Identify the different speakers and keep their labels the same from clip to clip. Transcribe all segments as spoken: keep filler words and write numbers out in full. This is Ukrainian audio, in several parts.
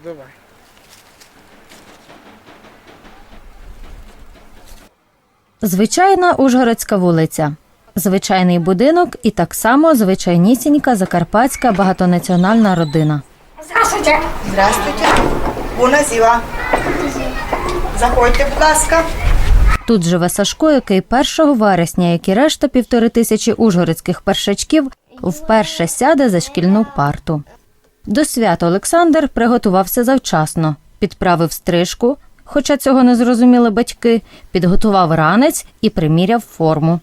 Speaker 1: Давай.
Speaker 2: Звичайна Ужгородська вулиця. Звичайний будинок і так само звичайнісінька закарпатська багатонаціональна родина.
Speaker 3: Здравствуйте. Здравствуйте. Буна зіва. Заходьте, будь ласка.
Speaker 2: Тут живе Сашко, який першого вересня, як і решта півтори тисячі ужгородських першачків, вперше сяде за шкільну парту. До свята Олександр приготувався завчасно, підправив стрижку, хоча цього не зрозуміли батьки, підготував ранець і приміряв форму.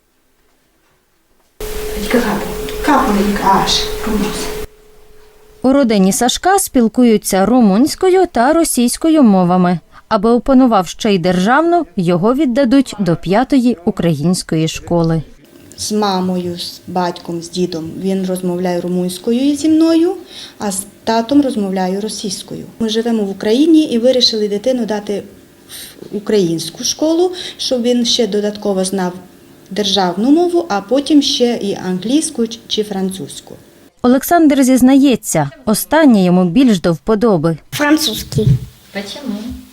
Speaker 2: У родині Сашка спілкуються румунською та російською мовами. Аби опанував ще й державну, його віддадуть до п'ятої української школи.
Speaker 4: З мамою, з батьком, з дідом він розмовляє румунською зі мною, а з татом розмовляю російською. Ми живемо в Україні і вирішили дитину дати в українську школу, щоб він ще додатково знав державну мову, а потім ще і англійську чи французьку.
Speaker 2: Олександр зізнається, останнє йому більш до вподоби.
Speaker 5: Французский.
Speaker 2: Чому?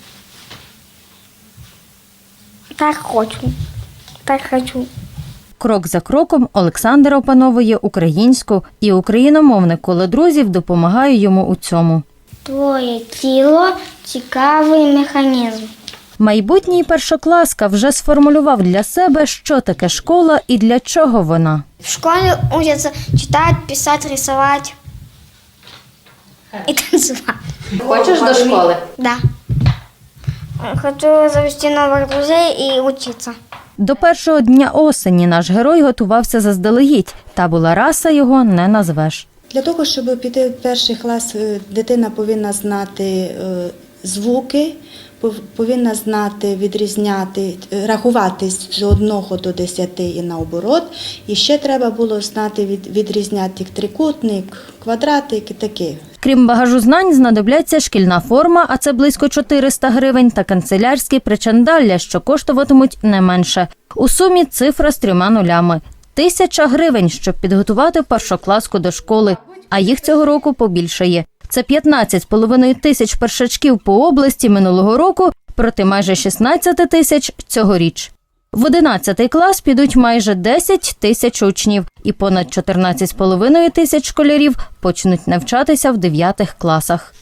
Speaker 5: Так хочу. Так хочу.
Speaker 2: Крок за кроком Олександр опановує українську, і україномовне коло друзів допомагає йому у цьому.
Speaker 5: Твоє тіло – цікавий механізм.
Speaker 2: Майбутній першокласка вже сформулював для себе, що таке школа і для чого вона.
Speaker 5: В школі учаться читати, писати, рисувати і танцювати.
Speaker 2: Хочеш до школи?
Speaker 5: Да. Хочу завести нових друзей і вчитися.
Speaker 2: До першого дня осені наш герой готувався заздалегідь, та була раса його не назвеш.
Speaker 4: Для того, щоб піти в перший клас, дитина повинна знати звуки, повинна знати, відрізняти, рахувати з одного до десяти і наоборот. І ще треба було знати, відрізняти трикутник, квадратик і таке.
Speaker 2: Крім багажу знань, знадобляться шкільна форма, а це близько чотириста гривень, та канцелярські причандалля, що коштуватимуть не менше. У сумі цифра з трьома нулями. Тисяча гривень, щоб підготувати першокласку до школи, а їх цього року побільшає. Це п'ятнадцять з половиною тисяч першачків по області минулого року проти майже шістнадцять тисяч цьогоріч. В одинадцятий клас підуть майже десять тисяч учнів і понад чотирнадцять з половиною тисяч школярів почнуть навчатися в дев'ятих класах.